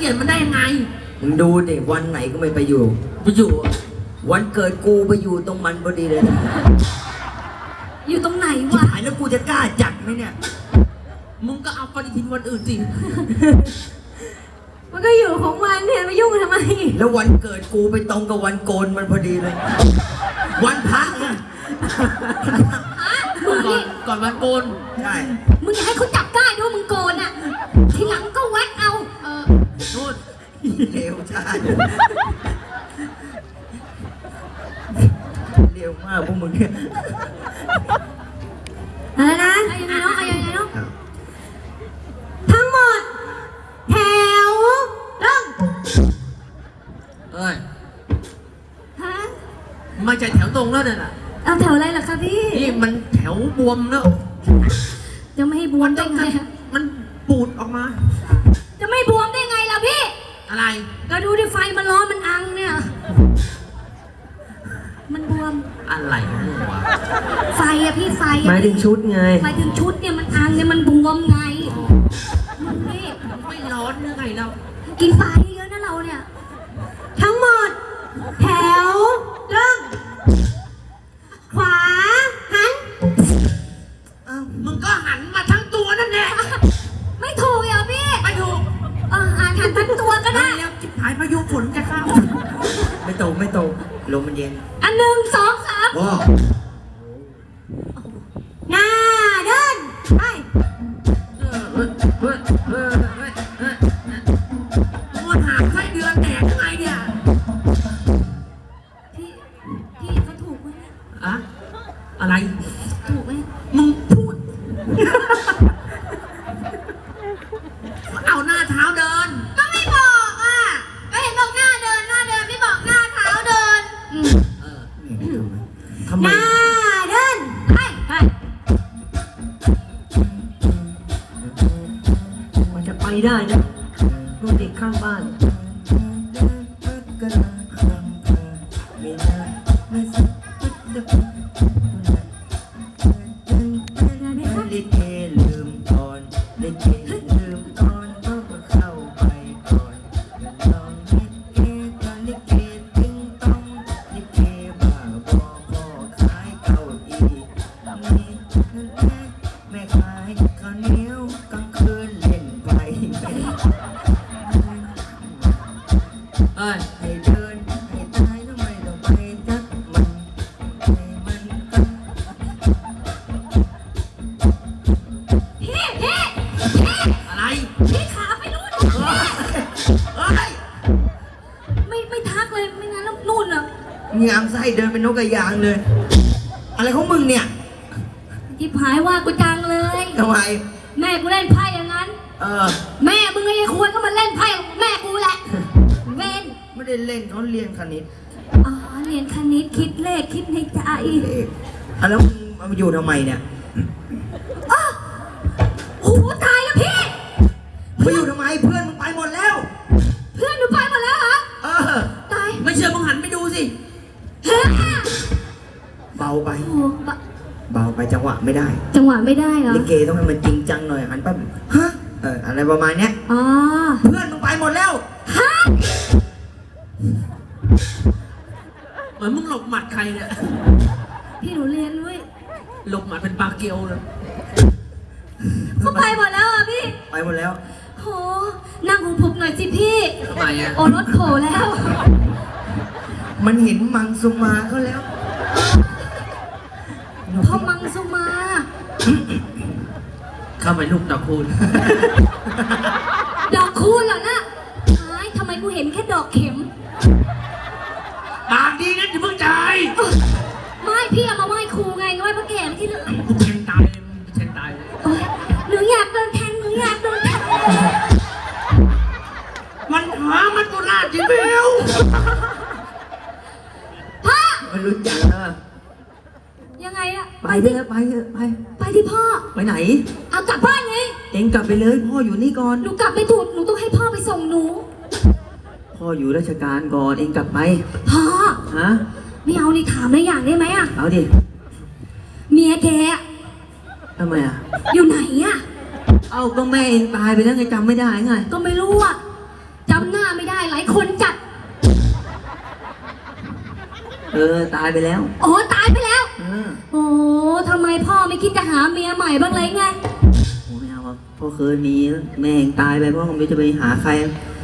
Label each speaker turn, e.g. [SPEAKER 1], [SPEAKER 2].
[SPEAKER 1] ลี่ยนมันได้ยังไง
[SPEAKER 2] มึงดูดิวันไหนก็ไม่ไปอยู่วันเกิดกูไปอยู่ตรงมันพอดีเลยนะ
[SPEAKER 3] อยู่ตรงไหน
[SPEAKER 2] ชิบ
[SPEAKER 3] วะ
[SPEAKER 2] หายแล้วกูจะกล้าจัดไหมเนี่ย
[SPEAKER 1] มึงก็เอาปฏิทินวันอื่นสิ
[SPEAKER 3] มันก็อยู่ของมันเนี่ยมายุ่งทำไม
[SPEAKER 2] แล้ววันเกิดกูไปตรงกับวันโกนมันพอดีเลย วันพระเนี่ย
[SPEAKER 1] ก่อนวันโกน
[SPEAKER 2] ใช่
[SPEAKER 3] มึงอย่าให้เขาจับได้ด้วยมึงโกนอ่ะ ทีหลังก็แวะเอา
[SPEAKER 1] นู่น
[SPEAKER 2] เร็วใช่เร็วมากพวกมึงเนี่ย
[SPEAKER 3] อะไรนะยังไงเนาะยังไงเนาะทั้งหมดแถวเริ่ม
[SPEAKER 1] เอ้ย
[SPEAKER 3] ฮะ
[SPEAKER 1] ไม่ใช่แถวตรงแล้วเนี่ยนะ
[SPEAKER 3] เอาแถวอะไรล่ะคะพี่
[SPEAKER 1] นี่มันแถวบวมแล้ว
[SPEAKER 3] จะไม่ให้บวมได้ไงอะ
[SPEAKER 1] มันปูดออกมา
[SPEAKER 3] จะไม่บวมได้ไงล่ะพี่
[SPEAKER 1] อะไร
[SPEAKER 3] ก็ดูดิไฟมันร้อนมันอังเนี่ยมันบวม
[SPEAKER 1] อะไรของมึงวะ
[SPEAKER 3] ไฟอะพี่ไฟ
[SPEAKER 2] หมายถึงชุดไง
[SPEAKER 3] ไฟถึงชุดเนี่ยมันอังเนี่ยมันบวมไงมึงนี่
[SPEAKER 1] ไม่ร้อนหรือไงเรา
[SPEAKER 3] กินไฟเยอะนะเราเนี่ย ทั้งหมด แถวเริ่มขวาหัน
[SPEAKER 1] มึงก็หันมาทั้งตัวนั่นแหละ
[SPEAKER 3] ไม่ถูกเหรอพี่
[SPEAKER 1] ไม่ถูก
[SPEAKER 3] หันทั้งตัวก็ได้
[SPEAKER 1] แล้วจิบหายพายุฝนจะเข้า
[SPEAKER 2] ไม่ตกลมมันเย็น
[SPEAKER 3] อันหนึ่งสองสาม
[SPEAKER 2] ว้า
[SPEAKER 3] หน้าเดินไป
[SPEAKER 1] มึงหาไส้เดือนแตกยังไงเนี่ย
[SPEAKER 3] พี่เขาถูกไหม
[SPEAKER 1] อะอะไร
[SPEAKER 3] ถูกไหม
[SPEAKER 1] มึงพูด เอาหน้าเท้าเดิน
[SPEAKER 3] ก็ไม่บอกอ่ะก็เห็นบอกหน้าเดินไม่บอกหน้าเท้าเดิน
[SPEAKER 2] ทำไม
[SPEAKER 3] หน้าเดินไป
[SPEAKER 2] มันจะไปได้นะลูกเด็กข้างบ้านลิเกลืมตอนลิเกลืมตอนต้องเข้าไปก่อนลองลิเกตอนลิเกติ้งต้องลิเกบ้าบอพอขายเก้าอี้นี่แม่ขายข้าวเหนียวกลางคืนเล่นไป
[SPEAKER 1] เอ้ย
[SPEAKER 2] ให้เดินให้ตายทำไมต้องไปจักมันให้มันตั้ง
[SPEAKER 1] อะไร
[SPEAKER 3] พี่ขาไปนู่น
[SPEAKER 1] เอ้ย
[SPEAKER 3] ไม่ทักเลยไม่งั้นแล้วนู่นอ่ะ
[SPEAKER 2] มีอามไส้เดินเป็นนกกระยางเลย อะไรของมึงเนี่ย
[SPEAKER 3] ที่ผายว่ากูจังเลย
[SPEAKER 2] ทำไม
[SPEAKER 3] แม่กูเล่นไพ่อย่างนั้น แม่มึงไอ้ควรก็มาเล่นไพ่ของแม่กูแหละเวน
[SPEAKER 2] ไม่ได้เล่นเขาเรียนคณิต
[SPEAKER 3] อ๋อเรียนคณิตคิดเลขคิดในใจ
[SPEAKER 2] เลขแล้วมึงเอามาอยู่ทำไมเนี่ย
[SPEAKER 3] โอ้โหตายแล้วพี่
[SPEAKER 2] มาอยู่ทำไมเพื่อนมึงไปหมดแล้ว
[SPEAKER 3] เพื่อนหนูไปหมดแล้วเหรอ
[SPEAKER 2] เออ
[SPEAKER 3] ตาย
[SPEAKER 1] ไม่เชื่อมึงหันไปดูสิ
[SPEAKER 3] เฮ้ย
[SPEAKER 2] เบาไป
[SPEAKER 3] โอ้โห
[SPEAKER 2] เบาไปจังหวะไม่ได้
[SPEAKER 3] จังหวะไม่ได้เหรอ
[SPEAKER 2] ลิเกต้องให้มันจริงจังหน่อยหันปั๊บฮะอะไรประมาณเนี้ย
[SPEAKER 3] อ๋อ
[SPEAKER 2] เพื่อนมึงไปหมดแล้ว
[SPEAKER 3] ฮะ
[SPEAKER 1] เหมือนมึงหลบหมัดใครเนี่ย
[SPEAKER 3] พี่หนูเรียนด้วย
[SPEAKER 1] หลบหมัดเป็นปลาเกียวเลย
[SPEAKER 3] เขาไปหมดแล้วอ่ะพี่
[SPEAKER 2] ไปหมดแล้ว
[SPEAKER 3] โหนั่งของผมหน่อยสิพี่
[SPEAKER 1] ทำไมอ่ะ
[SPEAKER 3] โอ้รถโขแล้ว
[SPEAKER 2] มันเห็นมังสุมาเขาแล้ว
[SPEAKER 3] พ่อมังสุมา
[SPEAKER 1] เข้าไปลูกตะคูณ
[SPEAKER 3] ดอกคูณเหรอนะหายทำไมกูเห็นแค่ดอกเข็ม
[SPEAKER 1] ปากดีนะอย่าเพิ่งใจาย
[SPEAKER 3] ไม่พี่เอามาไหว้ครูไงไหว้พระแก่ไม่ที่เหลือ
[SPEAKER 1] กูแทงตายเลยมึงแทงตายเลย
[SPEAKER 3] โอ๊ยหนูอยากโดนแทงหนูอยากโดนแทง
[SPEAKER 1] มันหามันตุลาจิเบล
[SPEAKER 3] พ่อ
[SPEAKER 2] มันรู้จักนะ
[SPEAKER 3] ยังไงอะ
[SPEAKER 2] ไปเถอะไปเถอะไป
[SPEAKER 3] ไปที่พ่อ
[SPEAKER 2] ไปไหน
[SPEAKER 3] เอากลับบ้านไง
[SPEAKER 2] เองกลับไปเลยพ่ออยู่นี่ก่อน
[SPEAKER 3] หนูกลับไม่ถูกหนูต้องให้พ่อไปส่งหนู
[SPEAKER 2] พ่ออยู่ราชการก่อนเองกลับไป
[SPEAKER 3] พ่อ
[SPEAKER 2] ฮะ
[SPEAKER 3] ไม่เอานี่ถามได้อย่างได้ไหมอะ
[SPEAKER 2] เอาดิ
[SPEAKER 3] เมียแกอะ
[SPEAKER 2] ทำไมอ่ะ
[SPEAKER 3] อยู่ไหนอะ
[SPEAKER 2] เอาก็แม่เองตายไปแล้วไงจำไม่ได้ไง
[SPEAKER 3] ก็ไม่รู้อะจำคนจัด
[SPEAKER 2] ตายไปแล้ว
[SPEAKER 3] อ๋อตายไปแล้ว
[SPEAKER 2] เออ
[SPEAKER 3] โอ้ทำไมพ่อไม่คิดจะหาเมียใหม่บ้างเลยไง
[SPEAKER 2] โอ้ไม่เอาครับพ่อเคยมีแม่เองตายไปพ่อผมจะไปหาใคร